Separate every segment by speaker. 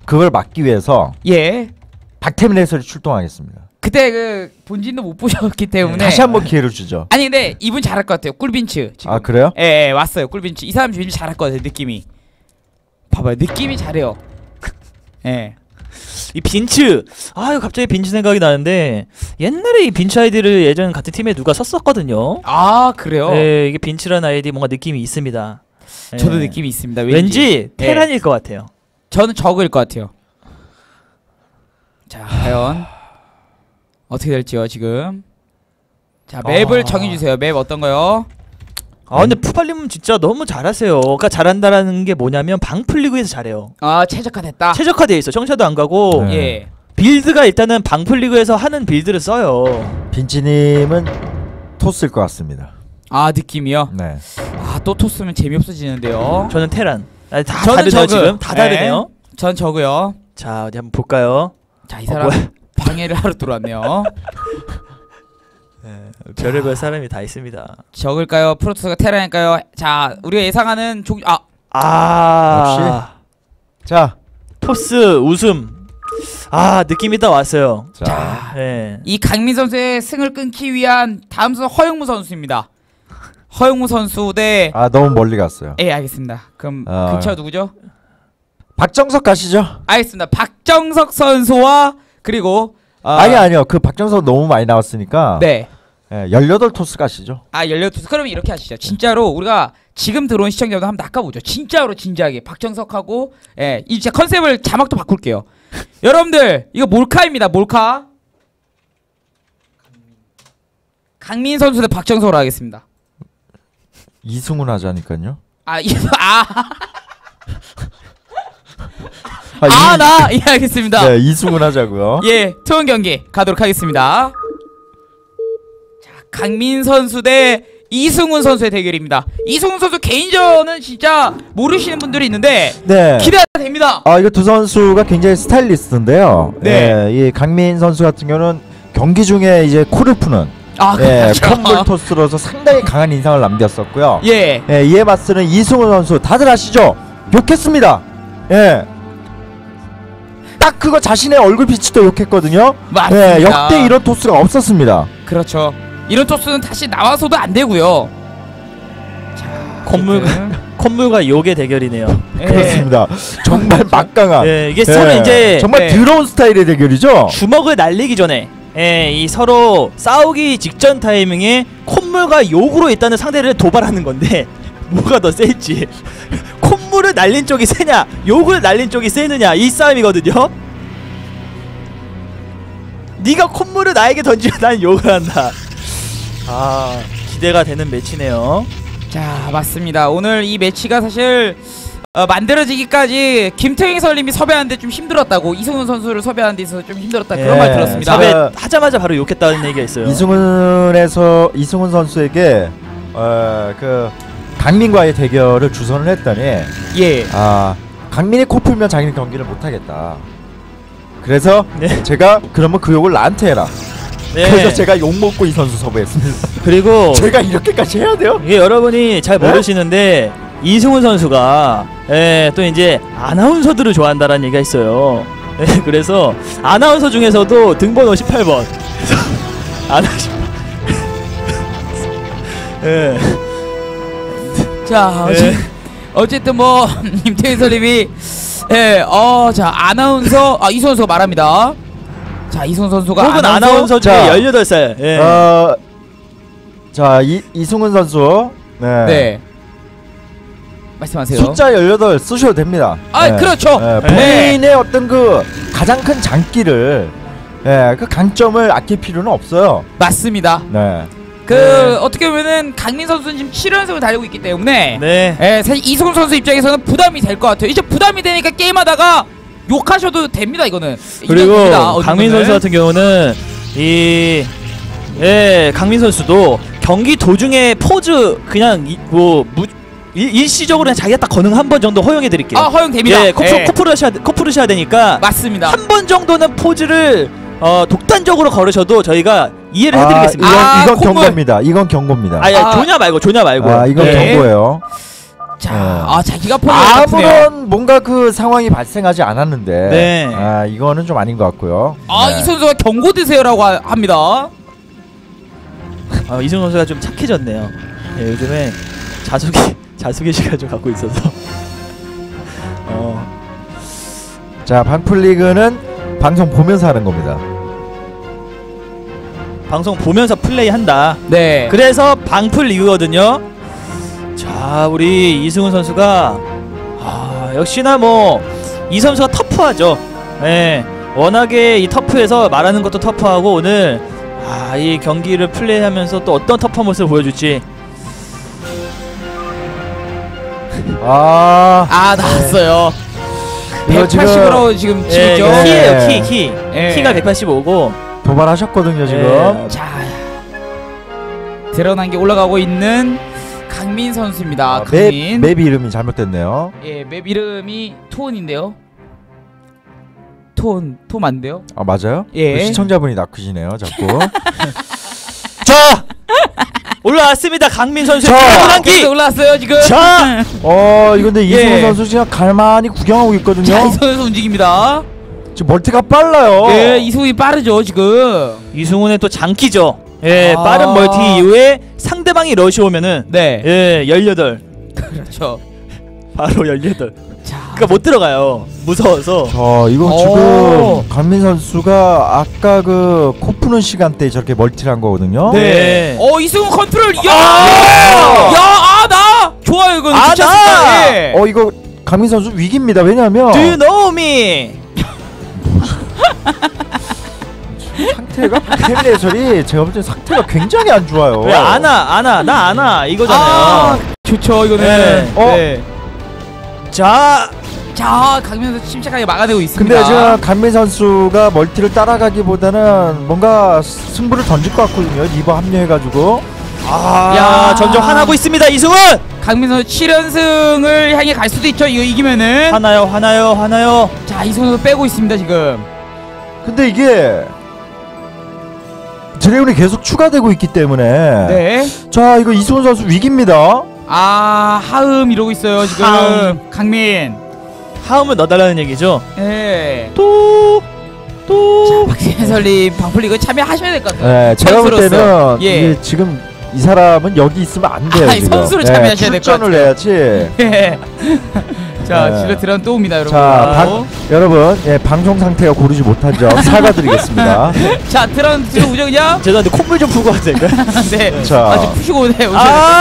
Speaker 1: 그걸 막기 위해서
Speaker 2: 예.
Speaker 1: 박태민 해설이 출동하겠습니다.
Speaker 2: 그때 그 본진도 못 보셨기 때문에
Speaker 1: 다시 한번 기회를 주죠.
Speaker 2: 아니 근데 이분 잘할 것 같아요. 꿀빈츠 지금.
Speaker 1: 아 그래요?
Speaker 2: 예, 예 왔어요. 꿀빈츠 이 사람 왠지 잘할 것 같아요. 느낌이. 봐봐요. 느낌이 잘해요. 예.
Speaker 3: 이 빈츠 아유 갑자기 빈츠 생각이 나는데 옛날에 이 빈츠 아이디를 예전 같은 팀에 누가 썼었거든요.
Speaker 2: 아 그래요?
Speaker 3: 네, 이게 빈츠라는 아이디 뭔가 느낌이 있습니다.
Speaker 2: 저도
Speaker 3: 네.
Speaker 2: 느낌이 있습니다.
Speaker 3: 왠지 테란일 것 같아요.
Speaker 2: 저는 적일 것 같아요. 자 과연 어떻게 될지요 지금. 자 맵을 정해주세요. 맵 어떤 거요?
Speaker 3: 아 근데 푸팔님은 진짜 너무 잘하세요. 그러니까 잘한다라는 게 뭐냐면 방풀리그에서 잘해요.
Speaker 2: 아 최적화됐다.
Speaker 3: 최적화돼 있어. 청샤도 안 가고
Speaker 1: 네.
Speaker 2: 예.
Speaker 3: 빌드가 일단은 방풀리그에서 하는 빌드를 써요.
Speaker 1: 빈치님은 토스일 것 같습니다.
Speaker 2: 아 느낌이요?
Speaker 1: 네.
Speaker 2: 아또 토스면 재미없어지는데요.
Speaker 3: 저는 테란. 아니, 다
Speaker 2: 저는
Speaker 3: 다르네요
Speaker 2: 저그.
Speaker 3: 지금. 다 다르네요.
Speaker 2: 전 저고요.
Speaker 3: 자 어디 한번 볼까요?
Speaker 2: 자 이 사람
Speaker 3: 뭐야?
Speaker 2: 방해를 하러 들어왔네요.
Speaker 3: 네, 별의별 사람이 다 있습니다.
Speaker 2: 적을까요? 프로토스가 테란일까요? 자 우리가 예상하는
Speaker 3: 아
Speaker 1: 자,
Speaker 3: 토스 웃음. 아 느낌이 딱 왔어요.
Speaker 1: 자,
Speaker 3: 네.
Speaker 2: 이 강민 선수의 승을 끊기 위한 다음 선수 허영무 선수입니다. 허영무 선수 대
Speaker 1: 아 너무 멀리 갔어요.
Speaker 2: 예 알겠습니다. 그럼 근처 누구죠?
Speaker 1: 박정석 가시죠.
Speaker 2: 알겠습니다. 박정석 선수와 그리고
Speaker 1: 아니요. 그 박정석 너무 많이 나왔으니까.
Speaker 2: 네.
Speaker 1: 예, 18토스 가시죠.
Speaker 2: 아 18토스. 그러면 이렇게 하시죠. 진짜로 우리가 지금 들어온 시청자분들 한번 낚아보죠. 진짜로 진지하게 박정석하고 예, 이 진짜 컨셉을 자막도 바꿀게요. 여러분들 이거 몰카입니다. 몰카. 강민 선수 대 박정석으로 하겠습니다.
Speaker 1: 이승훈 하자니까요.
Speaker 2: 예 알겠습니다.
Speaker 1: 네, 이승훈 하자고요.
Speaker 2: 예 투혼 경기 가도록 하겠습니다. 자 강민 선수 대 이승훈 선수의 대결입니다. 이승훈 선수 개인전은 진짜 모르시는 분들이 있는데
Speaker 1: 네.
Speaker 2: 기대가 됩니다.
Speaker 1: 이거 두 선수가 굉장히 스타일리스트인데요.
Speaker 2: 네.
Speaker 1: 예, 이 강민 선수 같은 경우는 경기 중에 이제 코를 푸는
Speaker 2: 그렇죠.
Speaker 1: 컴볼 토스로서 상당히 강한 인상을 남겼었고요.
Speaker 2: 예.
Speaker 1: 이에 맞서는 이승훈 선수 다들 아시죠? 욕했습니다. 예. 딱 그거 자신의 얼굴 비치도 욕했거든요.
Speaker 2: 맞습니다.
Speaker 1: 역대 이런 토스가 없었습니다.
Speaker 2: 그렇죠. 이런 토스는 다시 나와서도 안 되고요. 자,
Speaker 3: 콧물과 욕의 대결이네요.
Speaker 2: 예.
Speaker 1: 그렇습니다. 정말 막강한.
Speaker 3: 이게 서로 이제
Speaker 1: 정말 더러운 스타일의 대결이죠.
Speaker 3: 주먹을 날리기 전에 이 서로 싸우기 직전 타이밍에 콧물과 욕으로 일단은 상대를 도발하는 건데 뭐가 더 셀지 콧물을 날린 쪽이 세냐 욕을 날린 쪽이 세느냐 이 싸움이거든요. 네가 콧물을 나에게 던지면 난 욕을 한다. 기대가 되는 매치네요.
Speaker 2: 자 맞습니다. 오늘 이 매치가 사실 만들어지기까지 김태형 해설님이 섭외하는데 좀 힘들었다고, 이승훈 선수를 섭외하는 데 있어서 좀 힘들었다 그런 말 들었습니다.
Speaker 3: 섭외하자마자 바로 욕했다는 얘기가 있어요.
Speaker 1: 이승훈 선수에게 그 강민과의 대결을 주선을 했더니 강민이 코 풀면 자기는 경기를 못하겠다. 그래서 제가 그러면 그 욕을 나한테 해라. 그래서 제가 욕먹고 이 선수 섭외했습니다.
Speaker 3: 그리고
Speaker 1: 제가 이렇게까지 해야 돼요?
Speaker 3: 이게 여러분이 잘 모르시는데 이승훈 선수가 또 이제 아나운서들을 좋아한다라는 얘기가 있어요. 그래서 아나운서 중에서도 등번호 18번
Speaker 2: 자 어쨌든 뭐 김태희 선생님이 자 아나운서 이승훈 선수가 말합니다. 자 이승훈 선수가
Speaker 3: 혹은 아나운서 중에 18살
Speaker 1: 자 이승훈 선수 네.
Speaker 2: 말씀하세요.
Speaker 1: 숫자 18 쓰셔도 됩니다.
Speaker 2: 그렇죠.
Speaker 1: 본인의 어떤 그 가장 큰 장기를 그 강점을 아낄 필요는 없어요.
Speaker 2: 맞습니다. 어떻게 보면은 강민 선수는 지금 7연승을 달리고 있기 때문에 사실 이승훈 선수 입장에서는 부담이 될 것 같아요. 이제 부담이 되니까 게임하다가 욕하셔도 됩니다. 이거는.
Speaker 3: 그리고 강민 선수 같은 경우는 강민 선수도 경기 도중에 포즈 그냥 일시적으로 그냥 자기가 딱 거능 한 번 정도 허용해드릴게요.
Speaker 2: 허용됩니다.
Speaker 3: 코프르셔야 되니까
Speaker 2: 맞습니다.
Speaker 3: 한 번 정도는 포즈를 독단적으로 걸으셔도 저희가 이해를 해드리겠습니다.
Speaker 1: 이건 경고입니다. 이건 경고입니다.
Speaker 3: 조냐 말고.
Speaker 1: 이건 경고예요.
Speaker 2: 자, 자기가 포기했네요.
Speaker 1: 아무런 뭔가 그 상황이 발생하지 않았는데
Speaker 3: 네.
Speaker 1: 아 이거는 좀 아닌 것 같고요. 네.
Speaker 2: 이 선수가 경고 드세요라고 합니다.
Speaker 3: 이승훈 선수가 좀 착해졌네요. 예, 요즘에 자숙의 좀 갖고 있어서.
Speaker 1: 자, 방풀리그는 방송 보면서 하는 겁니다.
Speaker 3: 방송 보면서 플레이한다.
Speaker 2: 네.
Speaker 3: 그래서 방풀 리그거든요. 자, 우리 이승훈 선수가 역시나 뭐 이 선수가 터프하죠. 예, 워낙에 이 터프에서 말하는 것도 터프하고 오늘 이 경기를 플레이하면서 또 어떤 터프한 모습을 보여줄지.
Speaker 2: 나왔어요.
Speaker 1: 이거
Speaker 2: 180으로 지금 치고 있죠.
Speaker 3: 키예요, 키.
Speaker 2: 예.
Speaker 3: 키가 185고
Speaker 1: 도발하셨거든요 지금.
Speaker 2: 자, 드러난 게 올라가고 있는 강민 선수입니다. 강민.
Speaker 1: 맵 이름이 잘못됐네요.
Speaker 2: 예, 맵 이름이 토온인데요. 토온 맞는데요?
Speaker 1: 아 맞아요?
Speaker 2: 예.
Speaker 1: 그 시청자분이 낚으시네요 자꾸.
Speaker 3: 자, 올라왔습니다. 강민 선수의
Speaker 2: 계속
Speaker 3: 기
Speaker 2: 올라왔어요 지금.
Speaker 3: 자,
Speaker 1: 이거 근데 이승훈 선수 지금 가만히 구경하고 있거든요.
Speaker 2: 자, 이승훈 선수 움직입니다.
Speaker 1: 지금 멀티가 빨라요.
Speaker 2: 예, 이승훈이 빠르죠 지금.
Speaker 3: 이승훈의 또 장기죠. 예, 빠른 멀티 이후에 상대방이 러시 오면은
Speaker 2: 네.
Speaker 3: 18.
Speaker 2: 그렇죠.
Speaker 3: 바로 18.
Speaker 2: 자,
Speaker 3: 그러니까 못 들어가요. 무서워서.
Speaker 1: 이거 지금 강민 선수가 아까 그 코 푸는 시간대에 저렇게 멀티를 한 거거든요.
Speaker 3: 네.
Speaker 2: 이승훈 컨트롤. 나 좋아요 이건.
Speaker 3: 나.
Speaker 1: 이거 강민 선수 위기입니다. 왜냐면
Speaker 3: Do you know me?
Speaker 1: 상태가 박태민 해설이 제가 볼 때 상태가 굉장히 안 좋아요.
Speaker 3: 왜 나 아나 이거잖아요.
Speaker 2: 좋죠 이거는.
Speaker 3: 네. 자,
Speaker 2: 강민 선수 침착하게 막아내고 있습니다.
Speaker 1: 근데 지금 강민 선수가 멀티를 따라가기보다는 뭔가 승부를 던질 것 같거든요. 리버 합류해가지고.
Speaker 3: 점점 화나고 있습니다. 이승훈.
Speaker 2: 강민 선수 7연승을 향해 갈 수도 있죠. 이거 이기면은.
Speaker 3: 화나요.
Speaker 2: 자, 이승훈 선수 빼고 있습니다 지금.
Speaker 1: 근데 이게 드래곤이 계속 추가되고 있기 때문에
Speaker 2: 네.
Speaker 1: 자 이거 이승훈 선수 위기입니다.
Speaker 2: 하음 이러고 있어요 지금.
Speaker 3: 하음.
Speaker 2: 강민.
Speaker 3: 하음을 넣어달라는 얘기죠.
Speaker 2: 네.
Speaker 3: 또.
Speaker 2: 자, 박진설님 방풀리그 참여하셔야 될 것 같아요.
Speaker 1: 네, 제가 볼
Speaker 2: 선수로서.
Speaker 1: 때는 이게 지금 이 사람은 여기 있으면 안 돼요. 지금.
Speaker 2: 선수로 참여하셔야 될 것 같아요.
Speaker 1: 출전을 해야지.
Speaker 2: 자,
Speaker 1: 네.
Speaker 2: 질러 들어온 또 옵니다 여러분.
Speaker 1: 자, 여러분, 방송 상태가 고르지 못한 점 사과드리겠습니다.
Speaker 2: 자, 들어오죠 그냥.
Speaker 3: 죄송한데 콧물 좀 풀고 와도 될까요?
Speaker 2: 네.
Speaker 1: 자.
Speaker 2: 좀 푸시고 오세요.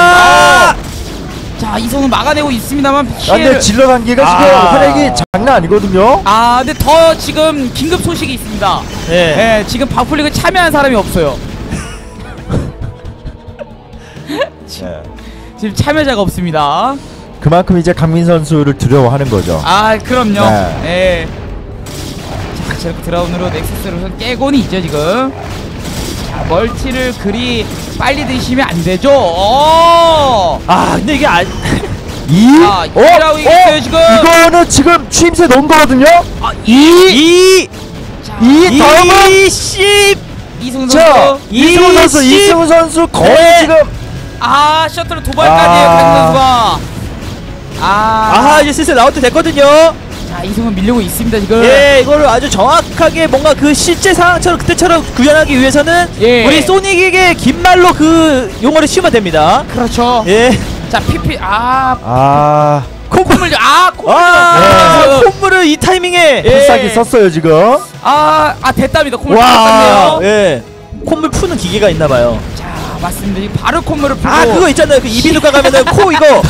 Speaker 2: 자, 이성은 막아내고 있습니다만
Speaker 1: 근데
Speaker 2: 피해를.
Speaker 1: 질러 단계가 지금 활약이 장난 아니거든요.
Speaker 2: 근데 더 지금 긴급 소식이 있습니다. 네, 지금 방풀리그 참여한 사람이 없어요. 지금 참여자가 없습니다.
Speaker 1: 그만큼 이제 강민 선수를 두려워하는 거죠.
Speaker 2: 그럼요. 네. 자, 저렇게 드라운으로 넥서스를 우선 깨고는 있죠 지금. 자, 멀티를 그리 빨리 드시면 안 되죠.
Speaker 3: 근데 이게
Speaker 2: 이라고 이겼어요 지금.
Speaker 1: 이거는 지금 취임새 넣은 거거든요. 다음은
Speaker 2: 이승훈 선수.
Speaker 1: 이승훈 선수 거의 지금
Speaker 2: 셔틀 도발까지 강민 선수가.
Speaker 3: 이제 슬슬 나올 때 됐거든요.
Speaker 2: 자, 이승훈 밀리고 있습니다 지금.
Speaker 3: 이거를 아주 정확하게 뭔가 그 실제 상황처럼 그때처럼 구현하기 위해서는 우리 소닉에게 긴 말로 그 용어를 씌우면 됩니다.
Speaker 2: 그렇죠. 자, PP 콧물.
Speaker 3: 콧물을 이 타이밍에
Speaker 1: 필살기 썼어요 지금.
Speaker 2: 됐답니다. 콧물 탔네요.
Speaker 3: 콧물 푸는 기계가 있나봐요.
Speaker 2: 자, 맞습니다. 지금 바로 콧물을 풀고.
Speaker 3: 그거 있잖아요. 그 이비인후과 가면은 코 이거.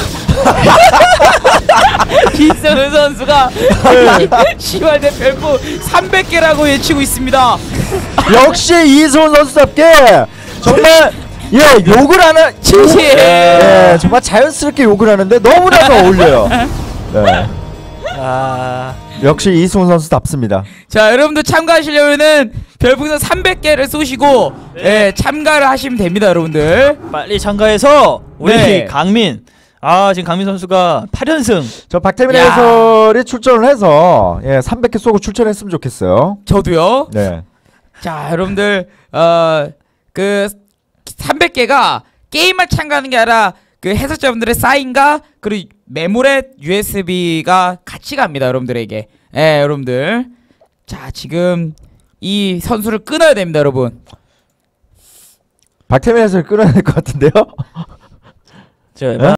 Speaker 2: 이승훈 선수가 시발대 별표 300개라고 외치고 있습니다.
Speaker 1: 역시 이승훈 선수답게 정말 욕을 하는 정말 자연스럽게 욕을 하는데 너무나도 어울려요. 역시 이승훈 선수답습니다.
Speaker 2: 자, 여러분들 참가하시려면은 별풍선 300개를 쏘시고 참가를 하시면 됩니다 여러분들.
Speaker 3: 빨리 참가해서 우리 강민 지금 강민 선수가 8연승.
Speaker 1: 저 박태민 해설이 출전을 해서 300개 쏘고 출전했으면 좋겠어요.
Speaker 2: 저도요.
Speaker 1: 네.
Speaker 2: 자, 여러분들 그 300개가 게임만 참가하는 게 아니라 그 해설자분들의 사인과 그리고 메모렛 USB가 같이 갑니다, 여러분들에게. 예, 여러분들. 자, 지금 이 선수를 끊어야 됩니다, 여러분.
Speaker 1: 박태민 선수를 끊어야 될 것 같은데요?
Speaker 3: 제가